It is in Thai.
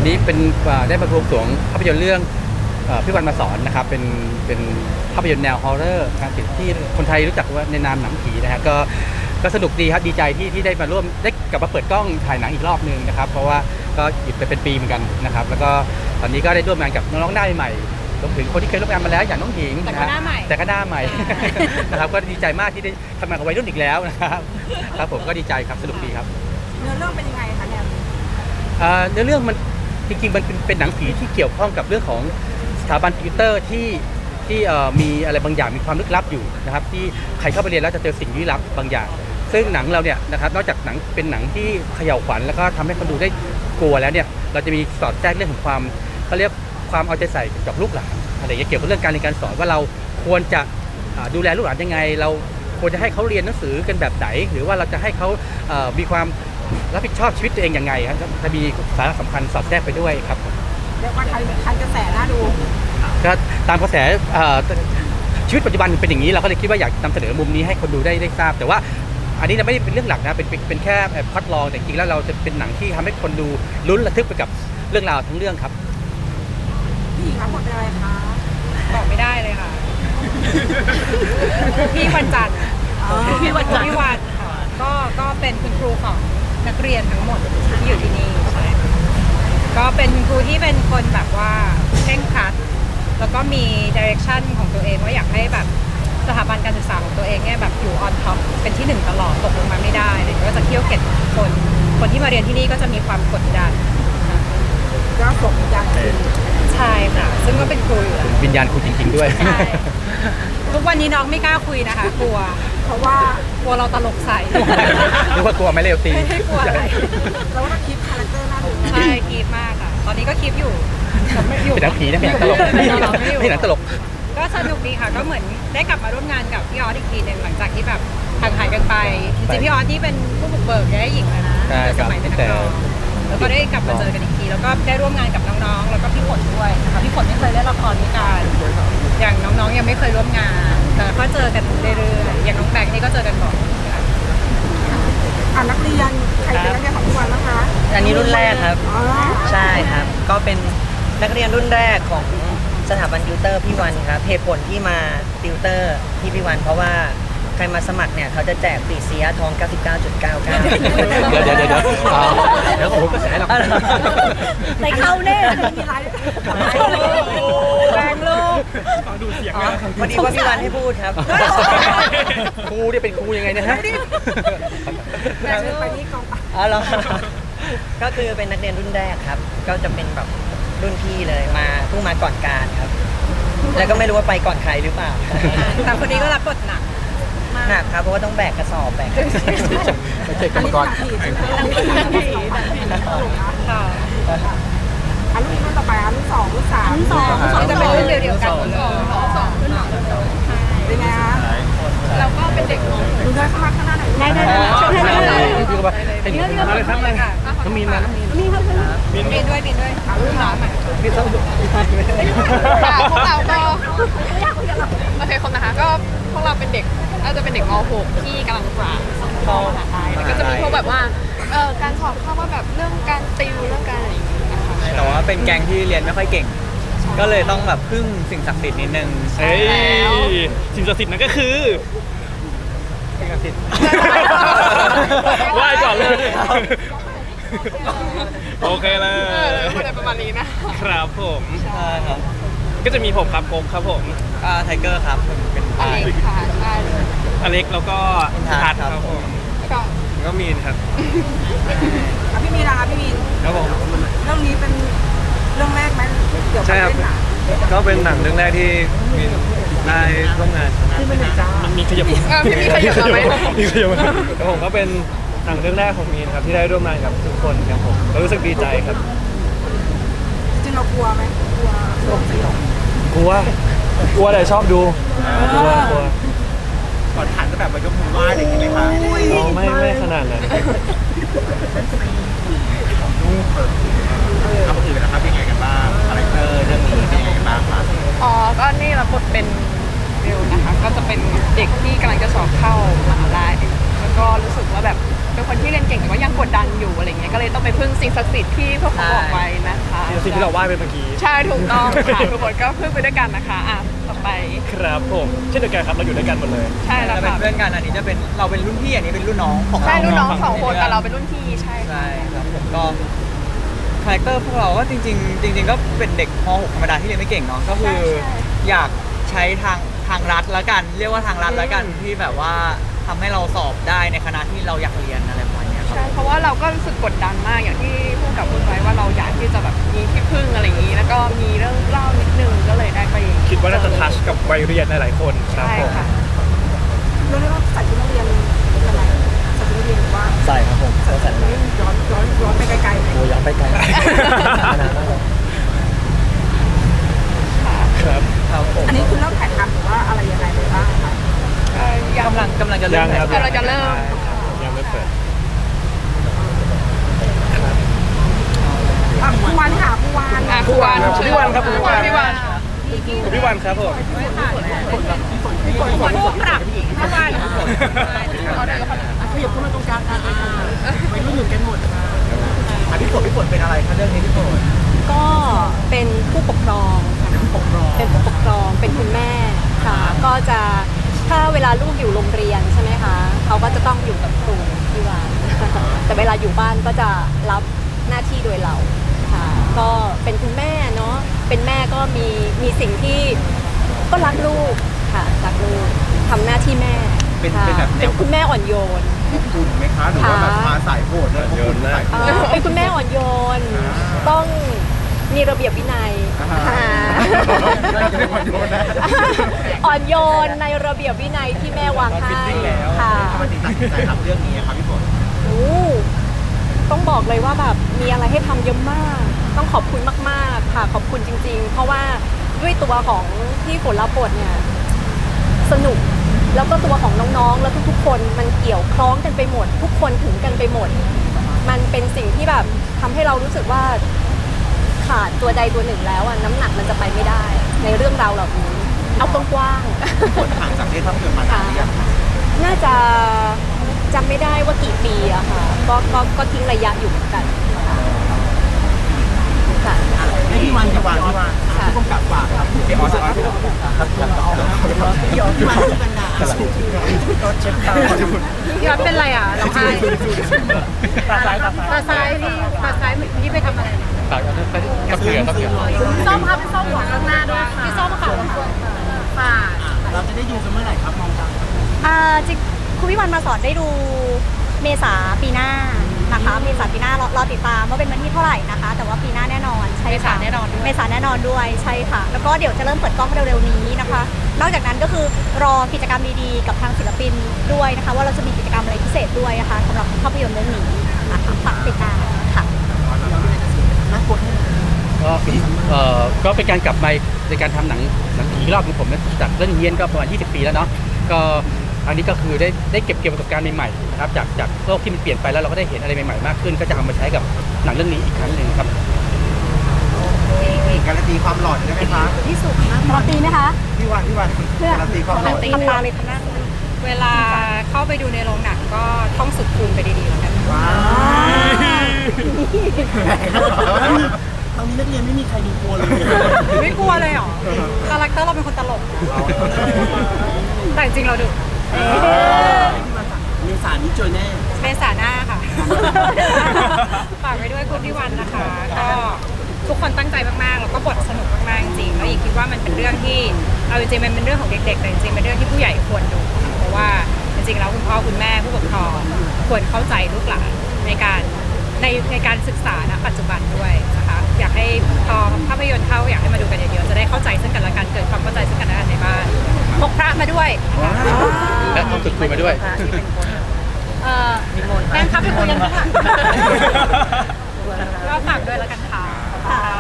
วันนี้เป็นได้มาบวงสรวงภาพยนตร์เรื่องพี่วันมาสอนนะครับเป็นภาพยนตร์แนวฮอร์เรอร์การที่คนไทยรู้จักว่าในนามหนังผีนะฮะก็สนุกดีครับดีใจที่ได้มาร่วมได้กลับมาเปิดกล้องถ่ายหนังอีกรอบนึงนะครับเพราะว่าก็หยุดไปเป็นปีเหมือนกันนะครับแล้วก็ตอนนี้ก็ได้ร่วมงานกับน้องๆหน้าใหม่รวมถึงคนที่เคยร่วมงานมาแล้วอย่างน้องหญิงแต่ก็หน้าใหม่นะครับก็ดีใจมากที่ได้ทำงานกับวัยรุ่นอีกแล้วนะครับครับผมก็ดีใจครับสนุกดีครับเนื้อเรื่องเป็นยังไงคะเนี่ยเนื้อเรื่องมันจริงๆมันเป็นหนังผีที่เกี่ยวข้องกับเรื่องของสถาบันคอมพิวเตอร์ที่มีอะไรบางอย่างมีความลึกลับอยู่นะครับที่ใครเข้าไปเรียนแล้วจะเจอสิ่งลี้ลับบางอย่างซึ่งหนังเราเนี่ยนะครับนอกจากหนังเป็นหนังที่เขย่าขวัญแล้วก็ทำให้คนดูได้กลัวแล้วเนี่ยเราจะมีสอดแทรกเรื่องของความเขาเรียกความเอาใจใส่กับลูกหลานอะไรอย่างเงี้ยเกี่ยวกับเรื่องการเรียนการสอนว่าเราควรจะดูแลลูกหลานยังไงเราควรจะให้เขาเรียนหนังสือกันแบบไหนหรือว่าเราจะให้เขามีความรับผิดชอบชีวิตตัวเองยังไงครับจะมีสาระสำคัญสอดแทรกไปด้วยครับเรียกว่าทันกระแสน่าดูก็ตามกระแสชีวิตปัจจุบันเป็นอย่างนี้เราก็เลยคิดว่าอยากนำเสนอมุมนี้ให้คนดูได้ทราบแต่ว่าอันนี้ไม่ได้เป็นเรื่องหลักนะเป็นแค่พล็อตรองแต่จริงๆแล้วเราจะเป็นหนังที่ทำให้คนดูลุ้นระทึกไปกับเรื่องราวทั้งเรื่องครับพี่หญิงรับบทเป็นอะไรคะบอกไม่ได้เลยค่ะพี่วันจันทร์พี่วันค่ะก็เป็นคุณครูของนักเรียนทั้งหมดที่อยู่ที่นี่ใช่ก็เป็นครูที่เป็นคนแบบว่าเคร่งครัดแล้วก็มีดิเรกชันของตัวเองว่าอยากให้แบบสถาบันการศึกษาของตัวเองเนี่ยแบบอยู่ออนท็อปเป็นที่หนึ่งตลอดตกลงมาไม่ได้เลยก็จะเคี่ยวเข็นคนที่มาเรียนที่นี่ก็จะมีความกดดันก็ส่งวิญญาณใช่ค่ะซึ่งก็เป็นครูอยู่แล้ววิญญาณครูจริงๆด้วยใช่ทุกวันนี้น้องไม่กล้าคุยนะคะกลัวเพราะว่ากลัวเราตลกใส่หรือว่ากลัวไม่เร็วตีไม่กลัวอะไรเราก็คีปคาแรคเตอร์น่าดูใช่คีปมากค่ะตอนนี้ก็คีปอยู่เป็นหนังผีนะเป็นหนังตลกนี่หนังตลกก็สนุกดีค่ะก็เหมือนได้กลับมาร่วมงานกับพี่ออสอีกทีหนึ่งหลังจากที่แบบห่างหายกันไปจริงๆพี่ออสที่เป็นผู้บุกเบิกได้หญิงเลยนะสมัยเป็นนักร้องแล้วก็ได้กลับมาเจอกันอีกทีแล้วก็ได้ร่วมงานกับน้องๆแล้วก็พี่ฝนด้วยนะคะพี่ฝนไม่เคยเล่นละครด้วยกันอย่างน้องๆยังไม่เคยร่วมงานแต่ก็เจอกันเรื่อยๆอย่างน้องแบงค์นี่ก็เจอกันบ่อยนักเรียนใครเป็นนักเรียนของทุกวันนะคะอันนี้รุ่นแรกครับใช่ครับก็เป็นนักเรียนรุ่นแรกของสถาบันติวเตอร์พี่วันครับเหตุผลที่มาติวเตอร์ที่พี่วันเพราะว่าใครมาสมัครเนี่ยเขาจะแจกปีเสียทอง 99.99 เดี๋ยวผมก็แสหรอกใส่เข้าแน่มีไรแรงลูกดูเสียงพอดีว่าพี่วันให้พูดครับครูนี่เป็นครูยังไงนะฮะไปนี่กองเหรอก็คือเป็นนักเรียนรุ่นแรกครับก็จะเป็นแบบรุ่นพี่เลยมาเพิ่งมาก่อนการครับแล้วก็ไม่รู้ว่าไปก่อนใครหรือเปล่าแต่คนนี้ก็รับบทหนักครับเพราะว่าต้องแบกกระสอบแบกไม่ใช่กรรมกรค่ะรุ่นต่อไปรุ่น2รุ่น3 จะเป็นรุ่นเดียวกันเป็นไงคะเราก็เป็นเด็กดูได้เข้ามาข้างหน้าหน่อยได้พี่ก็ว่าให้หนูอะไรครับอะไรน้องมีนมามีด้วยรุ่นน้องมีต้องพวกเราก็โอเคคนนะคะก็พวกเราเป็นเด็กน่าจะเป็นเด็กม .6 ที่กำลังเข้ามหาลัยแล้วก็จะมีพวกแบบว่าการสอบเข้าว่าแบบเรื่องการติวเรื่องการอะไรอย่างเงี้ยนะคะแต่ว่าเป็นแก๊งที่เรียนไม่ค่อยเก่งก็เลยต้องแบบพึ่งสิ่งศักดิ์สิทธิ์นิดนึงใช่แล้วสิ่งศักดิ์สิทธิ์นั่นก็คือสิ่งศักดิ์สิทธิ์ไหว้ก่อนเลยโอเคเลยประมาณนี้นะครับผมใช่ครับก็จะมีผมครับโกมครับผมไทเกอร์ครับเป็นอเล็กค่ะอเล็กแล้วก็ทัศน์ครับผมก็มีนครับพี่มีนนะคะพี่มีนครับผมเรื่องนี้เป็นเรื่องแรกไหมเกี่ยวกับเรื่องหนังก็เป็นหนังเรื่องแรกที่มีได้ร่วมงานมันมีขยับมีขยับไหมมีขยับแล้วผมก็เป็นหนังเรื่องแรกของมีนครับที่ได้ร่วมงานกับทุกคนครับผมก็รู้สึกดีใจครับจริงเรากลัวไหมกลัวกลัวแต่ชอบดูกลัวก่อนถ่ายก็แบบมายกมือไหว้อะไรอย่างเงี้ยไหมคะไม่ขนาดนั้นทำอื่นนะครับยังไงกันบ้างคาแรคเตอร์เรื่องนี้เป็นยังไงกันบ้างครับก็นี่รับบทเป็นเบลนะคะก็จะเป็นเด็กที่กำลังจะสอบเข้ามหาลัยแล้วก็รู้สึกว่าแบบเป็นคนที่เรียนเก่งแต่ว่ายังกดดันอยู่อะไรเงี้ยก็เลยต้องไปพึ่งสิ่งศักดิ์สิทธิ์ที่พวกเขาบอกไว้นะคะสิ่งที่เราไหว้ไปเมื่อกี้ใช่ถูกต้องค่ะทุกคนก็พึ่งไปด้วยกันนะคะอ่ะต่อไปครับผมเช่นเดียวกันครับเราอยู่ด้วยกันหมดเลยใช่แล้วจะเป็นค่ะเพื่อนกันอันนี้จะเป็นเราเป็นรุ่นพี่อันนี้เป็นรุ่นน้องของเราใช่รุ่นน้องสองคนแต่เราเป็นรุ่นพี่ใช่ค่ะใช่ครับผมก็คาแรคเตอร์พวกเราก็จริงๆก็เป็นเด็กม .6 ธรรมดาที่เรียนไม่เก่งเนาะก็คืออยากใช้ทางรัฐละกัน เรียกว่าทางรัฐละกันที่แบบว่าทำให้เราสอบได้ในคณะที่เราอยากเรียนอะไรประมาณเนี้ยครับใช่เพราะว่าเราก็รู้สึกกดดันมากอย่างที่พูดกับคุณไว้ว่าเราอยากที่จะแบบมีที่พึ่งอะไรอย่างนี้ แล้วก็มีเรื่องเล่านิดนึงก็เลยได้ไปคิดว่าน่าจะทัชกับวัยเรียนหลายๆคนครับใช่ผมค่ะเราเรียกว่าใส่ชุดนักเรียนอะไรใส่ชุดนักเรียนหรือว่าใส่ครับผมใส่ย้อนไปไกลๆไหมโอ้ยังไปไกลครับครับผมอันนี้คือเริ่มถ่ายทำหรือว่าอะไรยังไงไปบ้างคะกำลังจะเริ่มยังครับเราจะเริ่มยังไม่เปิดผู้วันค่ะผู้วันอ่ะครูวันพี่วันครับพี่วันพี่วันพี่วันครับผมผู้ปรับเมื่อวานขยับเข้ามาตรงกลางกันไปรุ่นหนึ่งกันหมดพี่ฝนเป็นอะไรคะเรื่องนี้พี่ฝนก็เป็นผู้ปกครองค่ะเป็นผู้ปกครอง เป็นคุณแม่ค่ะ ก็จะถ้าเวลาลูกอยู่โรงเรียนใช่ไหมคะ เขาก็จะต้องอยู่กับครูที่บ้าน แต่เวลาอยู่บ้านก็จะรับหน้าที่โดยเราค่ะ ก็เป็นคุณแม่เนาะ เป็นแม่ก็มีสิ่งที่ก็รักลูกค่ะ รักลูกทำหน้าที่แม่เป็นค่ะแบบแนวเป็นคุณแม่อ่อนโยนคุณไหมคะหรือว่าแบบมาสายโหดเลยโยนนะเป็นคุณแม่อ่อนโยน ต้องมีระเบียบวินัย อ่อนโยนในระเบียบวินัยที่แม่วางให้ค่ะทำไมถึงตัดสินใจทำเรื่องนี้ครับพี่ฝนโอ้ต้องบอกเลยว่าแบบมีอะไรให้ทำเยอะมาก ต้องขอบคุณมากๆค่ะขอบคุณจริงๆ เพราะว่าด้วยตัวของที่ฝนรับบทเนี่ยสนุก แล้วก็ตัวของน้องๆ แล้วทุกๆ คนมันเกี่ยวคล้องกันไปหมด ทุกคนถึงกันไปหมด มันเป็นสิ่งที่แบบทำให้เรารู้สึกว่าขาดตัวใดตัวหนึ่งแล้วอะน้ำหนักมันจะไปไม่ได้ ในเรื่องราวเหล่านี้เอากว้างๆฝนห่างจากเล่นภาพยนตร์มานานหรือยังน่าจะจำไม่ได้ว่ากี่ปีอะค่ะ ก็ทิ้งระยะอยู่เหมือนกันค่ะพี่วันค่ะผู้กำกับฝากครับพี่ออสครับพี่ออสที่มาที่บรรดาก็เช็ดตาพี่วัดเป็นไรอ่ะร้องไห้ตาซ้ายตาซ้ายตาซ้ายที่ไปทำอะไรฝากเอาไปกับเสือกับเสือพี่ส้มครับพี่ส้มหัวข้างหน้าด้วยค่ะพี่ส้มค่ะค่ะเราจะได้ดูกันเมื่อไหร่ครับมองกันจริงคุณวิวันมาสอนได้ดูเมษาปีหน้านะคะ เมษาปีหน้ารอติดตามว่าเป็นวันที่เท่าไหร่นะคะ แต่ว่าปีหน้าแน่นอนใช่ค่ะเมษาแน่นอนด้วยเมษาแน่นอนด้วยใช่ค่ะ แล้วก็เดี๋ยวจะเริ่มเปิดกล้องเร็วๆนี้นะคะ นอกจากนั้นก็คือรอกิจกรรมดีๆกับทางศิลปินด้วยนะคะ ว่าเราจะมีกิจกรรมอะไรพิเศษด้วยนะคะสำหรับภาพยนตร์เรื่องนี้นะคะฝากติดตามค่ะก็เป็นการกลับมาในการทำหนังผีอีกรอบของผมนะจากเรื่องเฮียนก็ประมาณ20 ปีแล้วเนาะก็อันนี้ก็คือได้เก็บประสบการณ์ใหม่ๆนะครับจากโลกที่มันเปลี่ยนไปแล้วเราก็ได้เห็นอะไรใหม่ๆมากขึ้น ก็จะเอามาใช้กับหนังเรื่องนี้อีกครั้งหนึ่งครับการันตีความหล่อได้ไหมคะที่สุดนะรอตีไหมคะพี่วันการันตีความหล่อทำตาเลยทำหน้าเวลาเข้าไปดูในโรงหนังก็ท่องสุดคูณไปดีๆแล้วกันว้าวตอนนี้นักเรียนไม่มีใครดูกลัวเลยไม่กลัวเลยเหรอคาแรคเตอร์เราเป็นคนตลก แต่จริงๆเราดุมีสารนี้เจอแน่เมษาหน้าค่ะ ฝากไว้ด้วยคุณพี่วันนะคะ ก็ทุกคนตั้งใจมากๆ แล้วก็บทสนุกมากๆจริงๆแล้วอีกคิดว่ามันเป็นเรื่องที่เอาจริงๆมันเป็นเรื่องของเด็กๆแต่จริงๆเป็นเรื่องที่ผู้ใหญ่ควรดูเพราะว่าจริงๆแล้วคุณพ่อคุณแม่ผู้ปกครองควรเข้าใจลูกหลานในการศึกษาณปัจจุบันด้วยนะคะอยากให้พอภาพยนตร์เข้าอยากให้มาดูกันเยอะๆจะได้เข้าใจซึ่งกันและกันเกิดความเข้าใจซึ่งกันและกันในบ้านพกพระมาด้วยและต้องฝึกคุยมาด้วยแม่ครับไปคุยกันค่ะก็ฝากด้วยแล้วกันค่ะ